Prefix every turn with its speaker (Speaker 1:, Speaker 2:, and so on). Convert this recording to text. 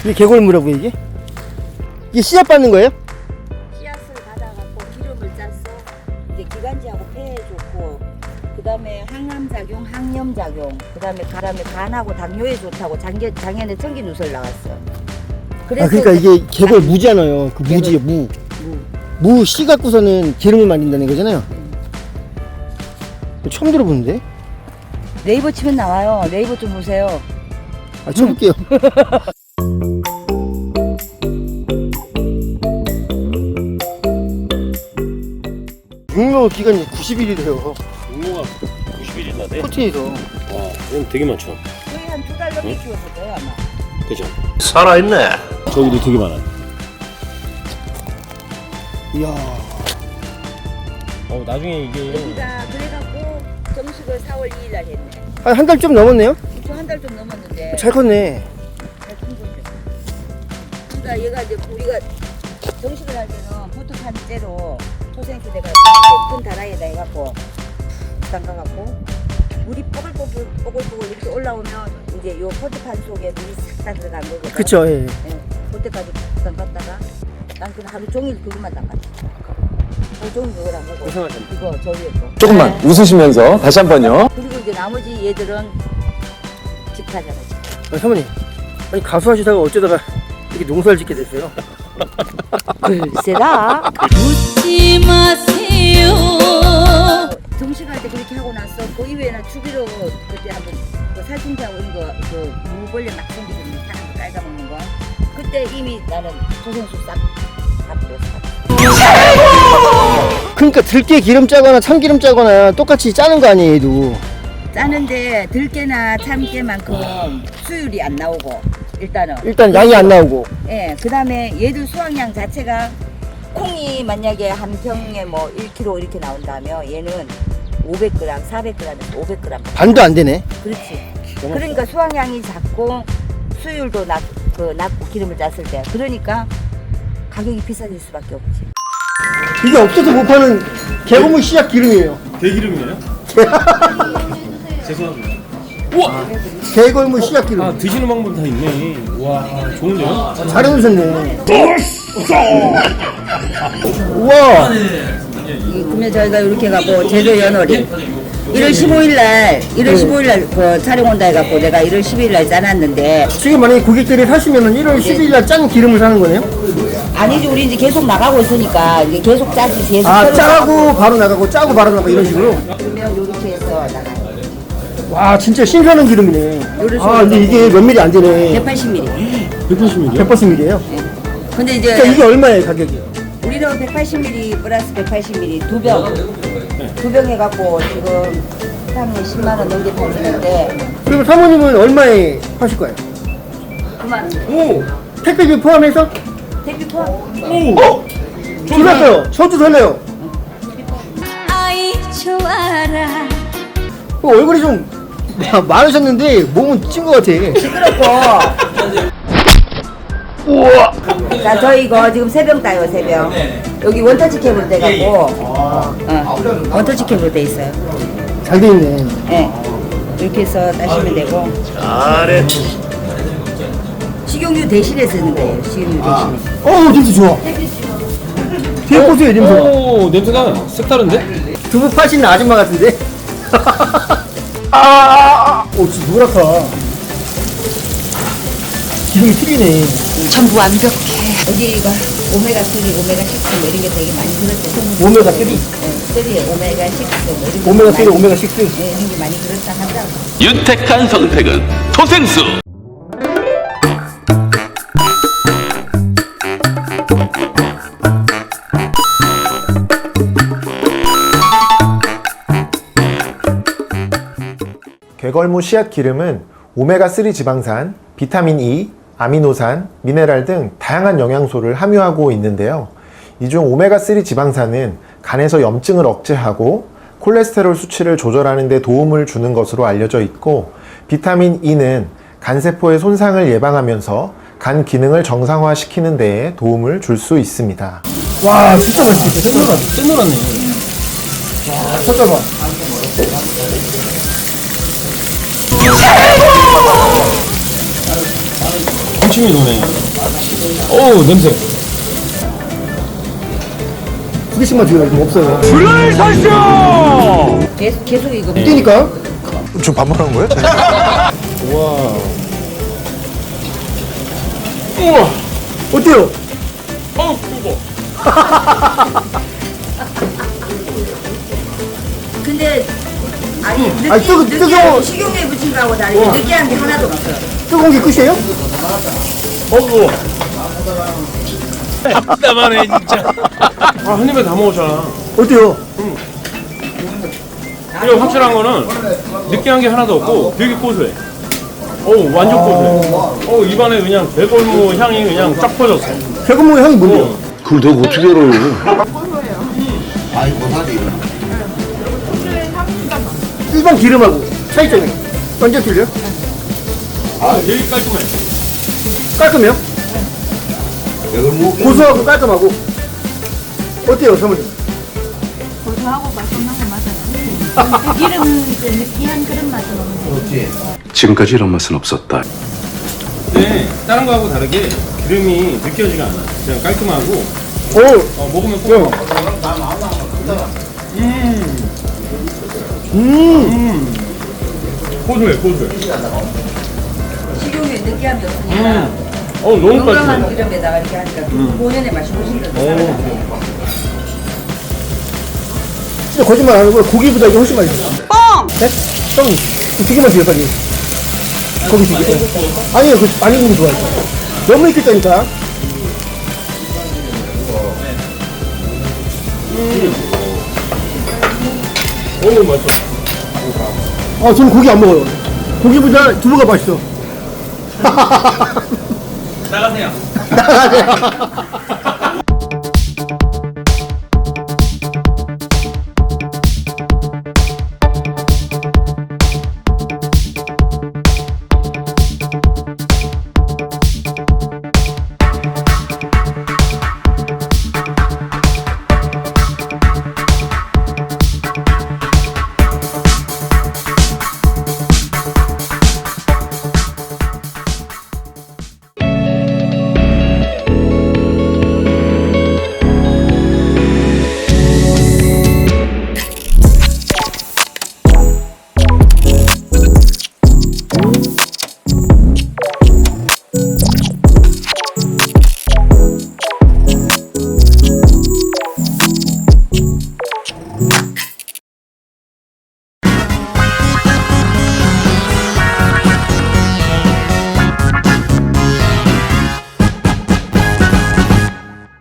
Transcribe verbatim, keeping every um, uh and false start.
Speaker 1: 이게 개골무라고 이게? 이게 씨앗 받는 거예요?
Speaker 2: 씨앗을 받아갖고 기름을 짰어. 이제 기관지하고 폐에 좋고, 그 다음에 항암작용, 항염작용, 그 다음에 가람에 간하고 당뇨에 좋다고 작년, 작년에 청기 누설 나왔어.
Speaker 1: 아 그러니까 이게 개골 무잖아요. 그 무지요 무.
Speaker 2: 무.
Speaker 1: 무 씨 갖고서는 기름을 만든다는 거잖아요. 처음 들어보는데?
Speaker 2: 네이버 치면 나와요. 네이버 좀 보세요.
Speaker 1: 아 쳐볼게요. 육묘 기간이 구십 일이래요.
Speaker 3: 육모가 구십 일이나 돼?
Speaker 1: 코트에서.
Speaker 3: 와, 이건 되게 많죠.
Speaker 2: 거의 한 두 달 넘게 키웠을 거예요 아마.
Speaker 3: 그죠?
Speaker 4: 살아있네.
Speaker 3: 저기도 되게 많아.
Speaker 1: 이야.
Speaker 3: 어, 나중에 이게
Speaker 2: 여기가 그래갖고 정식을 사월 이일 날 했네.
Speaker 1: 한 한 달 좀 넘었네요?
Speaker 2: 한 달 좀 넘었는데.
Speaker 1: 잘 컸네.
Speaker 2: 잘 큰 거죠. 그러니까 얘가 이제 우리가 정식을 할 때는 부트판째로 토생수 내가 큰 다라이에다 해갖고 담가갖고 물이 뽀글뽀글 뽀글뽀글 이렇게 올라오면 이제 요 포트판 속에 물이 싹 다 들어간 거거든.
Speaker 1: 그쵸, 예.
Speaker 2: 예, 그때까지 담갔다가 난 그냥 하루 종일 그것만 담갔지. 하루 종일 그걸 안 먹고
Speaker 3: 고생하셨네.
Speaker 2: 이거 저 위에 거.
Speaker 4: 조금만 웃으시면서 다시 한 번요.
Speaker 2: 그리고 이제 나머지 얘들은 집하잖아.
Speaker 1: 아니, 사모님. 아니, 가수 하시다가 어쩌다가 이렇게 농사를 짓게 됐어요?
Speaker 2: 글쎄다.
Speaker 5: 묻지 마세요.
Speaker 2: 정식할 때 그렇게 하고 났어. 그 이외에는 주기로 그때 한번 그 살충제하고 이런 거그 무벌레 막 생기는 사는 거 깔아먹는 거. 그때 이미 나는 토생수 싹 다 뿌렸어.
Speaker 1: 그러니까 들깨 기름 짜거나 참기름 짜거나 똑같이 짜는 거 아니에요, 얘도.
Speaker 2: 짜는데 들깨나 참깨만큼 수율이 안 나오고 일단은.
Speaker 1: 일단 양이 안 나오고.
Speaker 2: 예. 그다음에 얘들 수확량 자체가 콩이 만약에 한 병에 뭐 일 킬로그램 이렇게 나온다면 얘는 오백 그램, 사백 그램에서 오백 그램.
Speaker 1: 반도 안 되네.
Speaker 2: 그렇지. 그러니까 수확량이 작고 수율도 낮, 그 낮고 기름을 짰을 때 그러니까 가격이 비싸질 수밖에 없지.
Speaker 1: 이게 없어서 못 파는 개고무 씨앗 기름이에요.
Speaker 3: 대기름이네요? 죄송합니다. 우와!
Speaker 1: 개골무 씨앗 기름.
Speaker 3: 아, 드시는 방법 다 있네. 와, 좋은데요?
Speaker 1: 잘 해놓으셨네. 우와.
Speaker 2: 그러면 저희가 이렇게 해갖고 제조 연월이 일월 십오일 날 일월 십오일 날 그 촬영 온다 해갖고 내가 일월 십이일 날 짜놨는데
Speaker 1: 지금 만약에 고객들이 사시면 일월 십일 날 짠 기름을 사는 거네요?
Speaker 2: 아니지 우리 이제 계속 나가고 있으니까 이제 계속 짜지 계속
Speaker 1: 아,
Speaker 2: 썰어서
Speaker 1: 짜고 바로 나가고 짜고 바로 나가고 이런 식으로?
Speaker 2: 그러면 이렇게 해서 나가요.
Speaker 1: 와, 진짜 신선한 기름이네.
Speaker 2: 요리
Speaker 1: 아, 근데 이게 몇 밀리 안 되네.
Speaker 2: 백팔십 밀리리터.
Speaker 3: 백팔십 밀이요?
Speaker 1: 백팔십 밀리예요?
Speaker 2: 근데 이제
Speaker 1: 그러니까 이게 얼마예요, 가격이?
Speaker 2: 우리는 백팔십 밀리리터 플러스 백팔십 밀리리터 두 병. 두 병 해갖고 지금 한 십만 원 넘게 팔리는데
Speaker 1: 그리고 사모님은 얼마에 파실 거예요?
Speaker 2: 그만
Speaker 1: 오! 택배비 포함해서?
Speaker 2: 택배 포함.
Speaker 1: 오! 졸랐어요. 저도 설레요.
Speaker 5: 아이 좋아라.
Speaker 1: 어, 얼굴이 좀 마- 많으셨는데 몸은 찐 것 같아.
Speaker 2: 시끄럽고. 우와. 자, 저희 이거 지금 세 병 따요, 세 병. 여기 원터치 캡으로 돼갖고, 어, 원터치 캡으로 돼 있어요.
Speaker 1: 잘 돼 있네.
Speaker 2: 예. 이렇게 해서 따시면 되고.
Speaker 4: 잘해.
Speaker 2: 식용유 대신에 쓰는 거예요, 식용유 대신에.
Speaker 1: 어우, 냄새 좋아. 뒤에 보세요, 냄새.
Speaker 3: 오, 냄새가 색다른데?
Speaker 1: 두부 파시는 아줌마 같은데? 아, 오, 진짜 노랗다. 기름이 튀기네.
Speaker 5: 전부 완벽해.
Speaker 2: 여기가 오메가삼, 오메가육 뭐 이런 게 되게 많이 들었대.
Speaker 1: 오메가 삼?
Speaker 2: 네, 삼, 오메가육 뭐 이런 게
Speaker 1: 오메가 삼,
Speaker 2: 많이-
Speaker 1: 오메가 육.
Speaker 2: 네, 이런 게 많이 들었다 하더라고.
Speaker 4: 윤택한 선택은 토생수.
Speaker 6: 괴걸무 씨앗 기름은 오메가삼 지방산, 비타민 E, 아미노산, 미네랄 등 다양한 영양소를 함유하고 있는데요. 이 중 오메가삼 지방산은 간에서 염증을 억제하고 콜레스테롤 수치를 조절하는 데 도움을 주는 것으로 알려져 있고, 비타민 E는 간세포의 손상을 예방하면서 간 기능을 정상화시키는 데에 도움을 줄 수 있습니다.
Speaker 1: 와, 진짜 맛있겠다. 생각나.
Speaker 3: 찐노랗네.
Speaker 1: 와, 잠깐만.
Speaker 3: 군침이 도네. 어우 냄새.
Speaker 1: 두 개씩만 줘요. 이거 없어요.
Speaker 2: 계속, 계속 이거.
Speaker 1: 뛰니까.
Speaker 6: 지금 반말한 거예요?
Speaker 3: 우와.
Speaker 1: 우와. 어때요?
Speaker 3: 어우 뜨거.
Speaker 2: 근데, 아니, 느끼,
Speaker 1: 아니, 뜨거-
Speaker 2: 느끼,
Speaker 1: 뜨거워.
Speaker 2: 식용유에 묻힌 거하고 다르게 느끼한 게 하나도 없어.
Speaker 1: 뜨거운 게 끝이에요?
Speaker 3: 어우. 답답하네 진짜. 아, 한 입에 다 먹었잖아.
Speaker 1: 어때요?
Speaker 3: 그리고 확실한 거는 느끼한 게 하나도 없고 되게 고소해. 어우 완전 고소해. 어우 입안에 그냥 대골무 향이 그냥 쫙 퍼졌어.
Speaker 1: 대구멍 향이 뭔데요?
Speaker 4: 그걸 내가 어떻게 알아요?
Speaker 1: 일반 기름하고 차이점이 완전 틀려?
Speaker 3: 아 되게 깔끔해.
Speaker 1: 깔끔해요? 고소하고 깔끔하고 어때요 사모님?
Speaker 5: 고소하고 맛있는 거 맞아요. 그 기름 그 느끼한 그런 맛은 없는데.
Speaker 4: 지금까지 이런 맛은 없었다.
Speaker 3: 근데 다른 거하고 다르게 기름이 느껴지가 않아. 그냥 깔끔하고
Speaker 1: 오,
Speaker 3: 어, 먹으면 꼭. 음. 음. 고소해 고소해.
Speaker 2: 식용유에 느끼함이 없으니까.
Speaker 3: 음. 어우 너무
Speaker 2: 용감한
Speaker 3: 깔끔해.
Speaker 2: 기름에다가 이렇게 하니까 본연의 맛이 훨씬 더
Speaker 3: 오.
Speaker 2: 나요.
Speaker 1: 진짜 거짓말 안 하고 고기보다 이게 훨씬 맛있어. 뻥! 네? 뻥. 두 개만 주세요 빨리. 고기 두 개. 아니요, 그 많이 구는 거 좋아해요. 너무 익혔다니까.
Speaker 3: 어우 맛있어.
Speaker 1: 아, 저는 고기 안 먹어요. 고기보다 두부가 맛있어.
Speaker 3: 나가세요.
Speaker 1: 나가세요.